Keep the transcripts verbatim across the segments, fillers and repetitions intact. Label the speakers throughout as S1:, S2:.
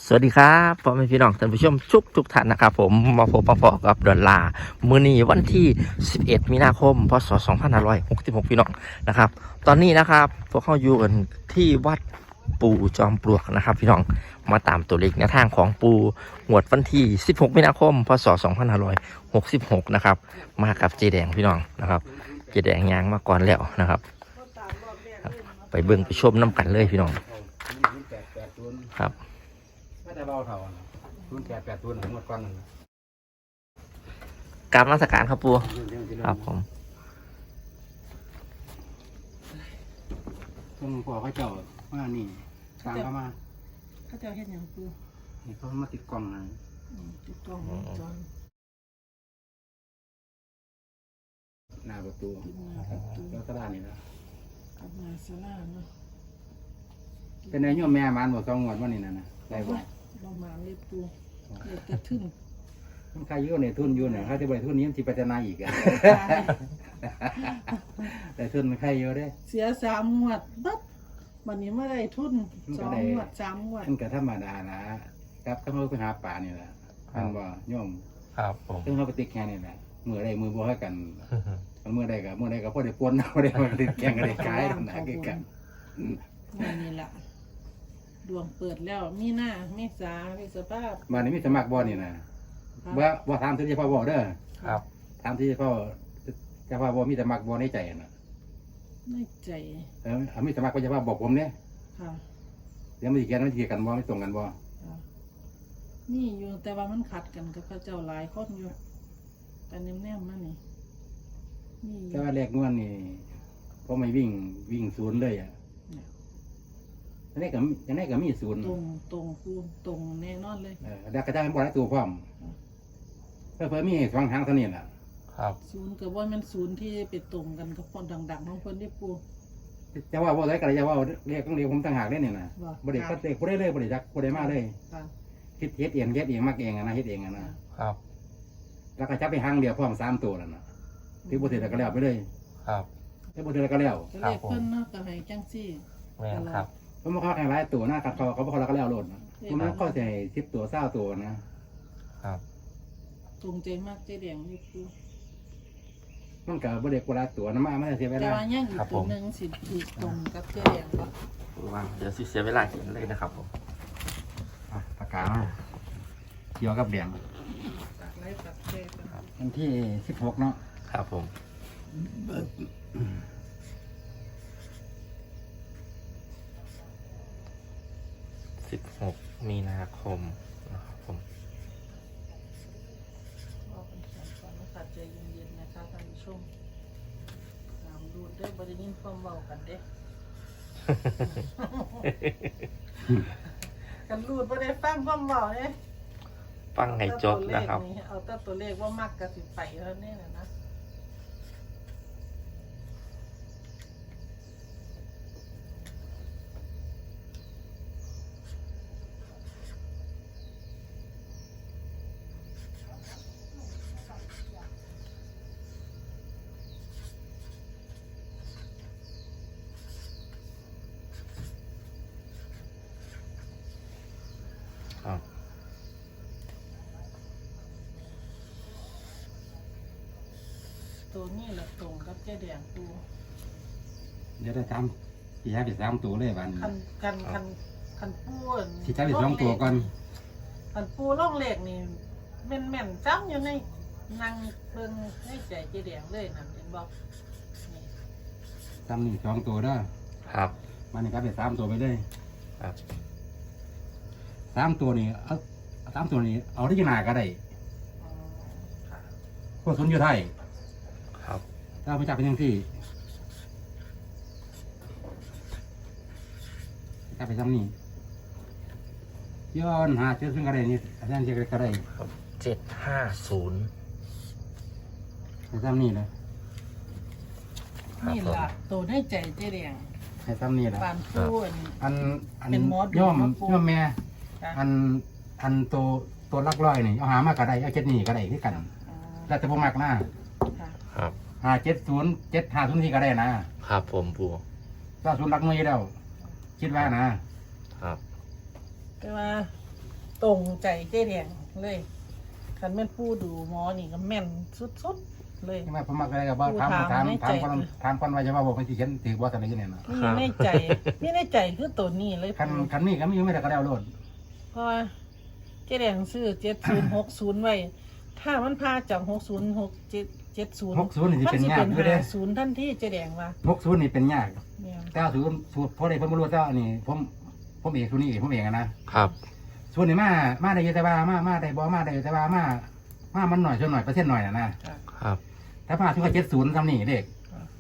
S1: สวัสดีครับพ่อแม่พี่น้องท่านผู้ชมทุกทุกท่านนะครับผมมาพบมาพอกับดอลลาร์มื้อนี้วันที่สิบเอ็ดมีนาคมพศสองพันห้าร้อยหกสิบหกพี่น้องนะครับตอนนี้นะครับพวกเขาอยู่กันที่วัดปู่จอมปลวกนะครับพี่น้องมาตามตัวเลขแนวทางของปู่งวดวันที่สิบหกมีนาคมพศสองพันห้าร้อยหกสิบหกนะครับมากับเจแดงพี่น้องนะครับเจแดงยางมาก่อนแล้วนะครับไปเบิ่งไปชมน้ำกันเลยพี่น้องครับ
S2: ไม่ได้เบาเท่าทุนแปดแปดทุนหมดก้อนนึง
S1: กราบนมัสการครับปู่ครับผม
S2: ต้นพ่อเขาเจ้ามานี่ทางเข้ามา
S3: เขาเจ้าเห็นอย่างปู
S2: นี่เขามาติดกล่องนะ
S3: ติดกล้องวงจร
S2: หน้าประตู
S3: ติดมาประตู
S2: แล้วก็ด้านนี้นะ
S3: อับมาสลาเนาะ
S2: เป็นไงโยมแม่มันบอกสองงวดวันนี้นะนะได้บอก
S3: เรามาเรียบปูเรียบจะทึ่ง
S2: มันใครเยอะเนี่ยทุนอยู่เนี่ยเขาจะบริทุนนี้มันจะพัฒนาอีกอะแต่ทุนมันใครเยอะได้
S3: เสียสามงวดบัดวันนี้ไม่ได้ทุนสองงวดสามงวด
S2: มันก็ธรรมดานะครับถ้าเขาไปหาป่านี่แหละท่านว่าโยม
S1: ครับผม
S2: ซึ่งเขาไปติดแค่นี่แหละมือใดมือบ่ให้กันมือใดกับมือใดกับพ่อได้ปนเอาได้มาติดแข่งกันได้ขายทำหนาคือกัน
S3: นี่แหละดวงเปิดแล้วมีหน้ามีสามีสภาพ
S2: บ้านนี้มีสมัครบ่อนี่นะบ่บ่ถามที่เฉพาะบ่อเด้อ
S1: ครับ
S2: ถามที่เฉพาะเฉพาะบ่มีสมัครบ่อในใจน่ะ
S3: ในใจ
S2: เออเอามีสมัครก็เฉพาะบอกผมเนี่ย
S3: ค่ะ
S2: เดี๋ยวมันสิแกนมันสิกันบ่ไม่ตรงกันบ่
S3: ค่ะนี่อยู่แต่ว่ามันขัดกันกับพระเจ้าหลายคนอยู่แต่แนมๆมานี่นี่
S2: แต่ว่าแรกนวลนี่พอไม่วิ่งวิ่งศูนย์เลยอ่ะอันนี้ก็อันนี้ก็มีศูนย์
S3: ตรงตรงคูตรงแน่นอนเลย
S2: เออแล้วก็จะบ่ได้ตัวพร้อมเพิ่นมีสองทางเท่านี้ล่ะ
S1: ครับ
S3: ศูนย์กับว่ามันศูนย์ที่ไปตรงกันกับคนดังๆของคนที่ปู
S2: จะว่าบ่ได้ก็จะว่าเรียกต้องเรียกผมต่างหากได้เนี่ยนะ
S3: ว่า
S2: บ่ได้ก็เรียกบ่ได้เลยบ่ได้จักบ่ได้มาเลย
S3: ค่ะ
S2: คิดเฮ็ดเองเฮ็ดเองมักเองอะนะเฮ็ดเองอะนะครับ แล้วก็จับไปหางเดียวพร้อมสามตัวแล้วนะที่บ่ถือแล้วก็แล้วไปเลย
S1: ครับ
S2: ที่บ่ถือแล้วก็แล้ว
S3: ก็เรียกเพิ่นเนาะก็ให้จังซี่
S1: แม่นครับ
S2: เพราะมันเขาแข่งหลายตัวนะกับเขาเขาบ่เขาแล้วก็แล้วโลดนะมันก็สิให้สิบตัวเก้าตัวนะครับ
S3: ตรงใจมากใจแดงนี่ปู
S2: มันก็บ่ได้กว่าหลายตัวนะมามันเสียเว
S3: แต่
S2: ลา
S3: ว่ายังอีกตัวหนึงสิถูกตรงกับใจแดงบ่
S1: วางเดี๋ยวสิเสียเวลาเขียนเลยนะครับผม
S2: อ่ะปากกามาเกี่ยวกับเหรียญ
S3: ตักไล่ตักแช่กัน
S2: วันที่สิบหกเนาะ
S1: ครับผมสิบหกมีนาคมนะครับผม
S3: เอาเป็นแขนก่อนนะคะใจเย็นๆนะคะท่านผู้ชมน้ำดูดได้บ่ได้ยินความเว้ากันเด้ กันรูดบ่ได้ฟังความเว้าเด้
S1: ฟังให้จบนะครับ
S3: เอาแต่ตัวเลขว่ามักกะสิไปเท่านี้นะนะ
S1: ครับ
S3: ตัวนี้แหละตรงกับเจ๊แดงปู
S2: เดี๋ยวได้ทำสี่ห้าเป็นสามตัวเลยวันนี้
S3: คันคันคันคันปูอั่น
S2: สี่ห้าเป็นสองตัวก่อน
S3: คันปูล่องเลขนี่แม่นแม่นๆจ้ำอยู่ในนั่งเบิ่งในใจเจ๊แดงเลยนั่นเห็นบอกนี่
S2: ทำนี่สองตัวได้
S1: ครับ
S2: มันนี่ก็เป็นสามตัวไปเลย
S1: ครับ
S2: สามตัวนี่เอาสามตัวนี่เอาที่นาก็ได้
S3: อ๋อค่ะ
S2: พวกทุนอยู่ไทย
S1: ครับ
S2: ถ้าไม่จับเป็นยังที่จับไปทำนี่ย้อนหาเจอซึ่งก็ได้นี่อาจารย์เจอก็ได้
S1: เจ็ดห้าศูนย์
S2: ให้ทำนี่เลย
S3: นี่ล่ะตัวในใจเจ๊แดง
S2: ให้ทำนี่แหละ
S3: ปานปูอั่น
S2: อันอัน
S3: เป็นหมอดู
S2: ย่อม
S3: หมอปู
S2: ย่อมแม่
S3: ค่ะ
S2: อันอันตัวตัวลักร้อยนี่เอาหามาก็ได้เอาเจ็ดนี่ก็ได้ที่กัน
S3: อ๋อ
S2: แล้วแต่พวกมากนะ
S3: ค่ะ
S1: ครับ
S2: หาเจ็ดศูนย์เจ็ดหาศูนย์ที่ก็ได้นะครับ
S1: ผมปู่
S2: ถ้าศูนย์รักน้อยแล้ว คิดว่านะ
S1: ครับ
S3: แต่ว่าตรงใจเจ๊แดงเลยคันแม่นผู้ดูหมอนี่ก็แม่นสุดๆเลย
S2: ใช่ไหมผมมักอะไรกับว่าถามถามถามคนถามคนว่าจะว่าบอกมันสิเขียนถือว่าตอนนี้เนี่ยนะ
S3: นี่ในใจนี่ในใจคือตัวนี้เลย
S2: คันคันนี้ก็มีอยู่ไม่ได้ก็แล้วโลด
S3: เพราะว่าเจ๊แดงซื้อเจ็ดศูนย์หกศูนย์ไว้ ถ้ามันพาจากหกศูนย์หกเจ็ดเจ็ดศูนย์
S2: หกศูนย์นี่สิ
S3: มัน
S2: เป็น
S3: สิ
S2: ยา
S3: เป็
S2: ก
S3: น
S2: อยู่เด้
S3: ห้าศูนย์ทันทีเจ๊แดงว่า
S2: หกศูนย์นี่เป็นยาก
S3: เนี่ย
S2: เก้าศูนย์สูตรเพราะใดเพิ่นบ่รู้เจ้าอันนี้ผมผมเอกศูนย์นี่เอกผมเองอะนะครับ ส่วนนี่มามาได้อยู่แต่ว่ามามาได้บ่มาได้อยู่แต่ว่ามามามันหน่อยส่วนหน่อยเปอร์เซ็นต์หน่อยน่ะนะครับ ถ้ามาถึงว่าเจ็ดศูนย์ทำนี่เด็ก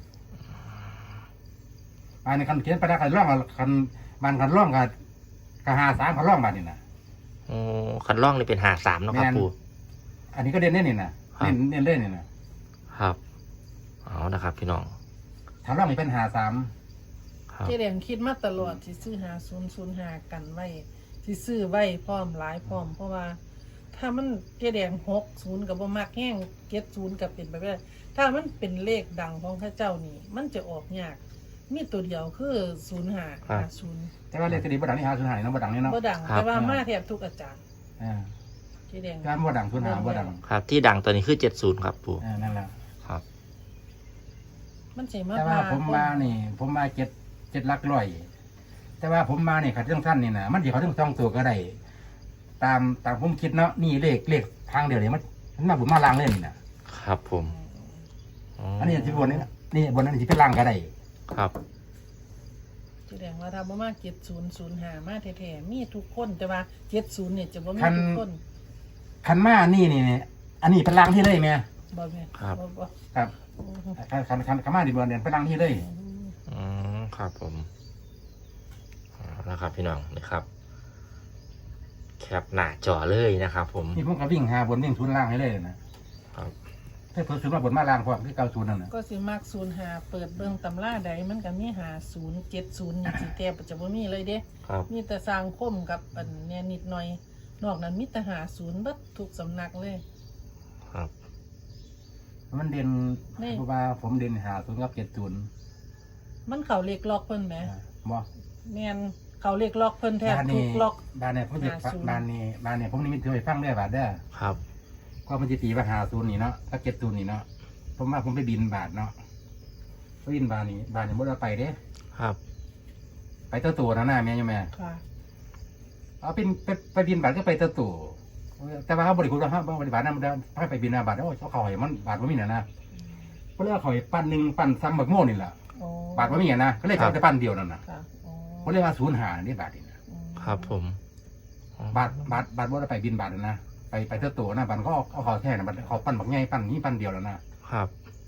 S2: อันนี้คันเขียนไปได้คันร่องกับคันมันคันร่องกับกะหาสามคันร่องบาดนี่นะ
S1: โอ้คันล่องนี่เป็นหาสามเนาะครับ
S2: แม่น
S1: ปู
S2: อันนี้ก็เด่นเด่นนี่นะครับ เด่นเด่นเด่นนี่นะครับ
S1: เอานะครับ พี่น้อง
S2: ถ้าร่องนี่เป็นหาสาม
S1: ครับ
S3: เจ๊แดงคิดมาตลอดสิซื้อหาศูนย์ศูนย์หากันไว้สิซื้อไว้พร้อมหลายพร้อม เพราะว่า ถ้ามันเจ๊แดงหกศูนย์กับบ่มักแห้งเจ็ดศูนย์กับเป็นไปไม่ได้ถ้ามันเป็นเลขดังของพระเจ้านี่ มันจะออกยาก มีตัวเดียวคือศูนย์หาหาศูนย์
S2: แต่ว่าเลขตัวนี้บ่ดังนี่หาศูนย์หานี่เนาะบ่ดังนี่เนาะ
S3: บ่ดังแต่ว่ามาแทบทุกอาจารย์
S2: อ่า
S3: เจ๊แดง
S2: การบ่ดังศูนย์หาบ่ดัง
S1: ครับ ที่ดังตัวนี้คือเจ็ดศูนย์ครับปู
S2: อ่านั่นแหละ
S1: ครับ
S3: มันสิมา
S2: แต่ว่า
S3: พ
S2: ผมมานี่ ผมมาเจ็ดเจ็ดหลักร้อยแต่ว่าผมมานี่ขัดเรื่องสั้นนี่นะมันสิเขาถึงสองตัวก็ได้ตามตามผมคิดเนาะนี่เลขเลขทางเดียวนี่มันมันมาบุญมาลางเลยนี่นะครับ
S1: ผมอ๋อ
S2: อันนี้ที่บนนี่นะนี่บนนั้นสิเป็นลางก็ได้
S1: ครับ
S3: แสดงว่าถ้าบ่มาเจ็ดศูนย์ศูนย์หามาแท้ๆมีทุกคนแต่ว่าเจ็ดศูนย์เนี่ยจะบ่มีทุกคน
S2: คันมานี่นี่นี่อันนี้เป็นลางที่เลยแม่
S3: บ่แม่น
S1: ครับ
S3: บ่บ่
S2: ครับคันคันคันคันมาดิบนเนี่ยเป็นลางที่เลย
S1: อืมครับผมเอาละครับ พี่น้องนี่ครับ แคปหน้าจอเลยนะครับ ผม
S2: นี่ผมก็วิ่งหาบนวิ่งทุนล่างให้เลยนะครับ ถ้าเพิ่มศูนย์มาบนมาล่างพวกที่เก้าศูนย์นั่นนะ
S3: ก็สิมักศูนย์หาเปิดเบิ่งตำราใดมันก็มีหาศูนย์เจ็ดศูนย์นี่สิแทบจะบ่มีเลยเด้
S1: ครับ
S3: มีแต่สร้างคมกับอันเนี่ยนิดหน่อย นอกนั้นมีแต่หาศูนย์เบิดทุกสำนักเลย
S1: ครับ
S2: มันเด่น
S3: นี่
S2: เพราะว่าผมเด่นหาศูนย์กับเจ็ดศูนย์
S3: มันเข้าเลขล็อกเพิ่นแหม
S2: บ่
S3: แม่นเข้าเลขล็อกเพิ่นแทบ
S2: บ้าน
S3: ทุ
S2: นี้
S3: กล็อก
S2: บ้านเนี่ยผมจะ
S3: หาศูนย์
S2: บ้านนี้บ้านเนี่ยผมนี่มีเธอไปฟังได้บาทเด้อ
S1: ครับ
S2: ก็มันจะตีว่าหาศูนย์นี่เนาะถ้าเจ็ดศูนย์นี่เนาะผมว่าผมไปบินบาทเนาะไปบินบาทนี่บาทเนี่ยบ่ได้ไปเด้
S1: ครับ
S2: ไปเต้าตัวนะหน้าแม่ยังแม่
S3: ค่ะ
S2: เอาเป็นไปไปบินบาทก็ไปเต้าตัวแต่ว่าเขาบริคุณว่าเขาบริบาทนั่นมันให้ไปบินนะบาทโอ้เขาเขาให้มันบาทว่ามีนะนะเพราะเรื่องเขาให้ปั้นหนึ่งปั้นซ้ำบักโม่นี่แหละ
S3: โอ้
S2: บาทว่ามีนะก็เลย
S1: ครั
S2: เขา
S1: บ
S2: จะปั้นเดียวนั่นนะ
S3: ค่ะโอ้
S2: เขาเรียกว่าศูนย์หานี่บาทนี่นะ
S3: อืม
S1: ครับผม
S2: บาทบาทบาทว่าไปบินบาทนะไปไปเต้าตัวนะบาทก็เอาเขาแท่นะบาทเขาปั้นบักใหญ่ปั้นนี้ปั้นเดียวแล้วนะครับ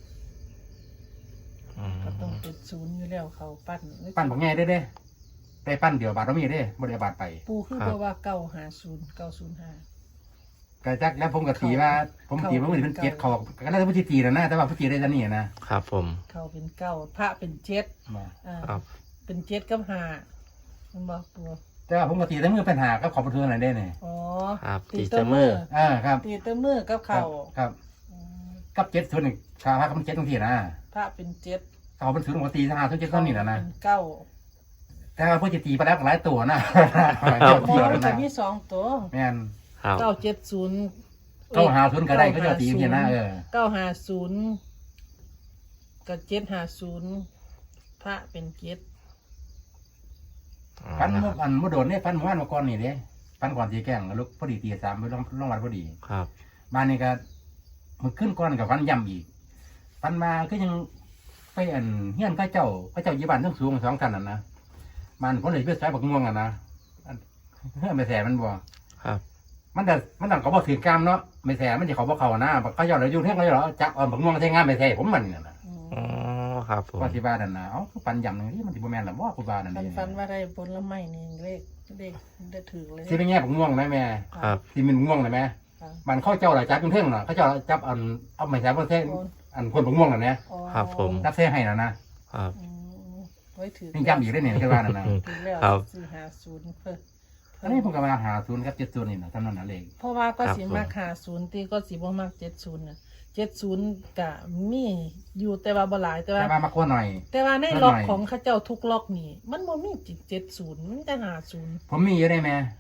S1: อืม
S3: ก็ต้องเป็นศูนย์อยู่แล้วเขาปั้น
S2: ปั้นบักใหญ่ได้เด้ได้ปั้นเดียวบาทว่ามีเด้บริบาทไป
S3: ปูคือบอกว่าเก้าหาศูนย์เก้าศูนย์ห้า
S2: ก็จักแล้วผมก็ตีว่า ผมตีว่ามันเป็นเจ็ดเขาก็ได้พุทธิตีนะนะแต่ว่าพุทธิได้จะนี่นะครับ
S1: ผม
S3: เขาเป็นเก้าพระเป็นเจ็ด
S2: มา
S3: อ่า
S1: ครับ
S3: เป็นเจ็ดกับห้ามันบอกปู
S2: แต่ว่าผมก็ตีได้มือปัญหาก็ขอบประตูไหนได้เนี่ย
S3: อ๋อ
S1: ครับตี
S3: ตี
S1: เต
S3: เต
S1: อ
S3: อ
S1: ร์
S3: ร์
S1: มื
S3: มื
S1: อ
S3: อ
S2: อ่าครับ
S3: ตีเตอร์มือกับ
S2: ครั
S3: เข่า
S2: บครับ
S3: อืม
S2: กับเจ็ดส่วนหนึ่งชาวพระก็มันเจ็ดตรงที่นะ
S3: พระเป็นเจ็ด
S2: เขาเป็นศูนย์ปกติทหารทุกเจ็ดต้นนี่แหละนะ
S3: เป็นเก้า
S2: แต่ว่าพุทธิตีไปแล้วก็หลายตัวนะ
S3: โอ้
S2: เกี่ยว
S3: มัน
S2: นะ
S3: จะมีสองตัว
S2: แม่น
S1: ครับ
S3: เก้าเจ็ดศูนย์
S2: เขาหาศูนย์ก็ได้ก็จะตีเพียนะเออ
S3: เก้าห้าศูนย์กับเจ็ดห้าศูนย์พระเป็นเจ็ด
S2: ฟัน
S1: นะค
S2: เมื่
S1: รั
S2: อบ อันเมื่อโดนเนี่ยฟันเมื่อวานเมื่อก่อนนี่เด้ฟันก่อนตีแกล้งลุกพอดีตีสามไปลงลงวัดพอดี
S1: ครับ
S2: บ้านนี้ก็มันขึ้นก้อนกับฟันย่ำอีกฟันมาก็ยังไปอันเฮียนก็เจ้าก็เจ้ายี่บ้านทั้งสูงสองท่านน่ะนะมันคนเลยเพื่อสายบักม่วงอ่ะนะอันเฮ้ยไม่แสมันบ่
S1: ครับ
S2: มันแต่มันต่างเขาบอกถือกรรมเนาะไม่แสมันจะเขาบอกเขานะบักเขาเจ้าเลยยุ่งเท่งเขาเจ้าเหรอจับอ่อนบักม่วงใช้งานไม่แสผมมันนี่นะ
S3: อืม
S1: อ๋อครับผม
S2: ว่าที่บ้านนั่นนะเอ้าปันย่ำนึงที่มันที่บ่แม่นหรอว่าคุณบ้านนั่น
S3: ฟัน
S2: นี่
S3: ฟันว่าได้ผลไม้นี่เลขเลขได้ถือเลย
S2: ที่เป็นแง่บักม่วงนะแม่
S1: ครับ
S2: ที่มันม่วงนะแม่
S3: ค่ะ
S2: มันเข้าเจ้าหลายจับยุ่งเท่งเนาะเขาเจ้าจับอันเอาไม่แสประเทศอันคนบักม่วงน่ะนะ
S3: อ๋อ
S1: ครับผม
S2: จับเส้ให้น่ะนะ
S1: ครับ
S3: อืมไว้ถือ
S2: นี่ย่ำอีกได้เนี่ยที่บ้านนั่นนะ
S3: ถือแล้ว
S1: ครับ
S3: สี่หาศูนย์เพิ่ม
S2: อันนี้ผมก็มาหาศูนย์ครับเจ็ดศูนย์นี่นะท่านนั่นน่ะเลข
S3: เพราะว่าก็
S1: ครับ
S3: สิ
S1: ผม
S3: มักหาศูนย์ตีก็สิบ่มักเจ็ดศูนย์น่ะเจ็ดศูนย์กะมีอยู่แต่ว่าบ่หลายแต่ว่า
S2: แต่ว่ามาขั้วหน่อย
S3: แต่ว่าใน
S2: นิดหน่อย
S3: ล็อกของเข้าเจ้าทุกล็อกนี่ มันบ่มีจิตเจ็ดศูนย์มันจะหาศูนย์
S2: ผมมีอยู่ได้ไหม
S3: ค่ะ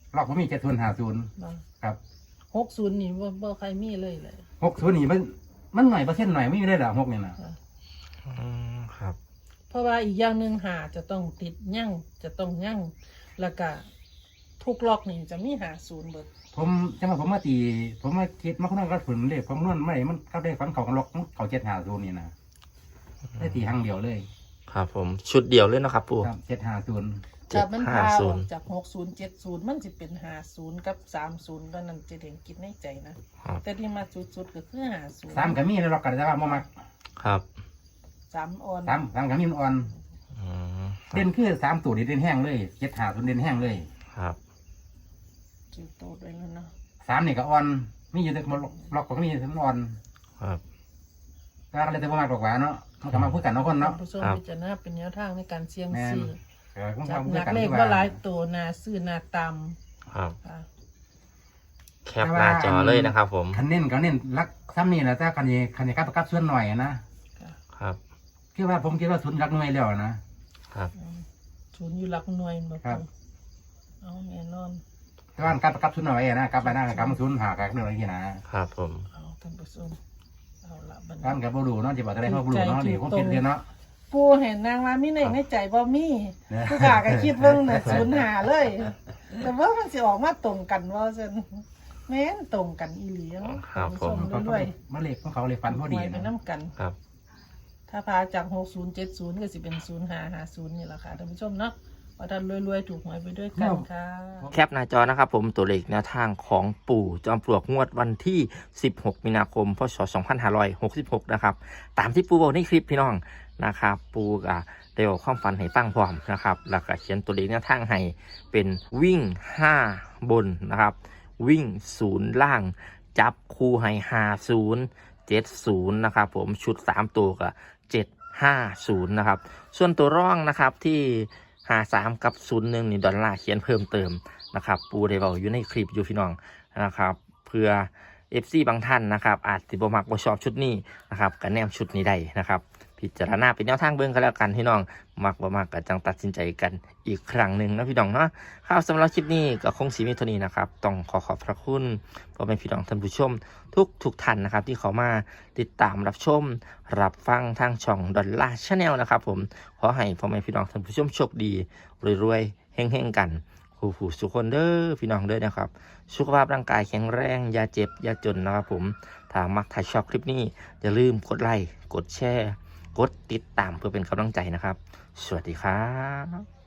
S2: ล็อกผมมีเจ็ดศูนย์ห้าศูนย์ครับ
S3: หกศูนย์นี่บ่บ่ใครมีเลยเลย
S2: หกศูนย์นี่มันมันหน่อยเปอร์เซ็นต์หน่อยไม่ได้หรอหกเนี่ยนะ
S1: อืมครับ
S3: เพราะว่าอีกอย่างหนึ่งหาจะต้องติดยั่งจะต้องยั่งแล้วก็ทุกล็อกนี่จะมีหาศูนย์เบิด
S2: ผมจังหวะผมมาตีผมมาคิดมาคนนั้นก็ฝืนเลยผมนวดไม่มันเข้าได้ฟันเขากันล็อกเขาเจ็ดห้าศูนย์นี่นะได้ตีครั้งเดียวเลย
S1: ครับผมชุดเดียวเลยนะครับปู่
S2: ครับเจ็ดห้าศูนย์
S1: เจ็
S3: จา
S1: ด
S3: กมัน
S1: ห้า
S3: พา
S1: ศู
S3: อน อ
S1: ย์
S3: กจากหกศูนย์เจ็ดศูนย์มันจะเป็นหาศูนย์กับสามศูนย์ตอนนั้นจะเด่นกินในใจนะครับ แต่ที่มาสุดๆก็คือหาศูนย์
S2: สามก็มีแล้วล็อกกันแต่ว่าบ่มัก
S1: ครับ
S3: สามออน
S2: สามสามก็มีมันอ่อน
S1: อืม
S2: เด่นคือสามตัวนี่เด่นแห้งเลยเจ็ดห้าศูนย์เด่นแห้งเลย
S1: ครับ
S3: จิวโตด้วยแล้วเนาะ
S2: สามนี่ก็อ่อนมีอยู่แต่มันล็อกก็มีมันอ่อน
S1: ครับ
S2: ก็เลยแต่บ่มักดอกหวานเนาะมันก็มาพูดกันเนาะคนเนาะ
S3: ผู้ชม
S1: ครับ
S3: พิจารณาเป็นแนวทางในการเสี่ยง
S2: แม่น
S3: ซื้อ
S2: เออผม
S3: จับ
S2: ทำ
S3: ห
S2: ด้ว
S3: นั
S2: ย
S3: ก
S2: กัน
S3: เลข
S2: ที่
S3: ว่าหลายตัวนาซื้อนาต
S1: ครับ
S3: ำค่ะ
S1: แคปหน้าจอเลยนะครับผม
S2: คันเน้นก็เน้นรักซ้ำนี่แหละแต่คันนี้คันนี้กับกับส่วนหน่อยนะ
S1: ครับ
S2: คือว่าผมคิดว่าศูนย์รักหน่วยแล้วนะครับ
S3: อืมศูนย์อยู่หลักหน่วยบ่
S2: ครับ
S3: เอาแน่นอน
S2: แต่ว่ากับกับศูนย์หน่อยนะกับไปได้กับศูนย์หากับหน่วยที่นะครับ
S1: ผม
S3: เอาท่านผู้ชมเอาละบัด
S2: กัน
S3: นี้
S2: กับบูดูเนาะจะบอกอะไรเขาบูดูเนาะนี่ผมคิดเรียนเนาะ
S3: ปูเห็นนางว่ามีในในใจบ่มี
S2: เนี่ย
S3: ผู้ขาก็คิดเบิ่งน่ะศูนย์หาเลย แต่ว่ามันสิออกมาตรงกันว่าซั่นแม่นตรงกันอีหลีเนาะ
S1: ครับผม
S3: ท่านผู้ชด้วย
S2: มาเล็กของเขาเลยฟันพอดี
S3: ไว้ไป
S2: นะ
S3: น้ำกัน
S1: ครับ
S3: ถ้าพาจากหกศูนย์เจ็ดศูนย์ก็สิเป็นศูนย์ห้าห้าศูนย์นี่แหละค่ะท่านผู้ชมเนาะว่าท่านรวยๆถูกหวยไปด้วยกันค่ะ
S1: แคปหน้าจอนะครับผมตัวเลขแนวทางของปู่จอมปลวกงวดวันที่ สิบหก มีนาคม พศ สองพันห้าร้อยหกสิบหก นะครับ ตามที่ปู่บอกในคลิปพี่น้องนะครับ ปู่ก็ได้บอกความฝันให้ฟังพร้อมนะครับ แล้วก็เขียนตัวเลขแนวทางให้เป็นวิ่ง ห้า บนนะครับ วิ่งศูนย์ล่าง จับคู่ให้ห้าศูนย์ เจ็ดศูนย์นะครับผมชุดสามตัวก็เจ็ดห้าศูนย์นะครับ ส่วนตัวร่องนะครับที่ห้าสามกับศูนย์หนึ่งนี่ดอลลาร์เขียนเพิ่มเติมนะครับ ปูได้บอกอยู่ในคลิปอยู่พี่น้องนะครับ เพื่อ เอฟ ซี บางท่านนะครับ อาจสิบ่มักบ่ชอบชุดนี้นะครับก็แนมชุดนี้ได้นะครับ พิจารณาเป็นแนวทางเบิ่งกันแล้วกันพี่น้องมักบ่มักก็จังตัดสินใจกันอีกครั้งหนึ่งนะพี่น้องเนาะครับสำหรับคลิปนี้ก็คงสีมีเท่านี้นะครับต้องขอขอบพระคุณพ่อแม่พี่น้องท่านผู้ชม ทุกทุกท่านนะครับที่เขามาติดตามรับชม รับฟังทางช่องดอลลาร์ชาแนลนะครับผมขอให้พ่อแม่พี่น้องท่านผู้ชมโชคดีรวยๆเฮงๆกันผู้ผู้สุขคนเด้อพี่น้องเด้อนะครับสุขภาพร่างกายแข็งแรงอย่าเจ็บอย่าจนนะครับผมถ้ามักถ่ายชอบคลิปนี้อย่าลืมกดไลค์กดแชร์กดติดตามเพื่อเป็นกำลังใจนะครับ สวัสดีครับ